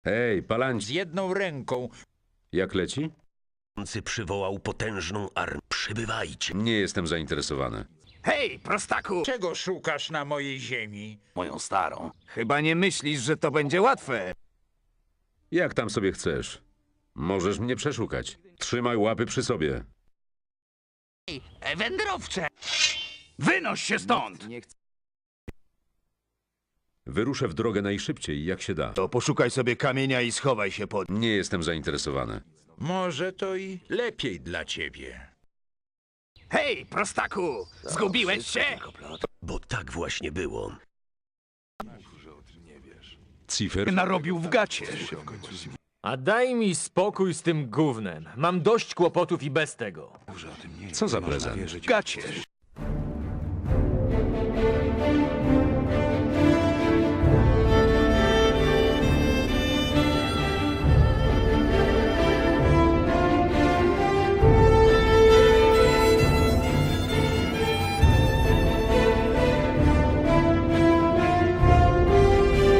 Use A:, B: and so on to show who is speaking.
A: Hej,
B: Z
A: Palanci,
B: jedną ręką.
A: jak leci?
C: Przywołał potężną armię. Przybywajcie.
A: Nie jestem zainteresowany.
D: Hej, prostaku!
B: Czego szukasz na mojej ziemi?
D: Moją starą. Chyba nie myślisz, że to będzie łatwe.
A: Jak tam sobie chcesz? Możesz mnie przeszukać. Trzymaj łapy przy sobie.
D: Wędrowcze! Wynoś się stąd!
A: Wyruszę w drogę najszybciej, jak się da.
D: To poszukaj sobie kamienia i schowaj się pod...
A: Nie jestem zainteresowany.
B: Może to i lepiej dla ciebie.
D: Hej, prostaku! Zgubiłeś się?
C: Bo tak właśnie było.
A: Cifer?
D: Narobił w gacie.
E: A daj mi spokój z tym gównem. Mam dość kłopotów i bez tego.
A: Co za prezent?
D: Gacie.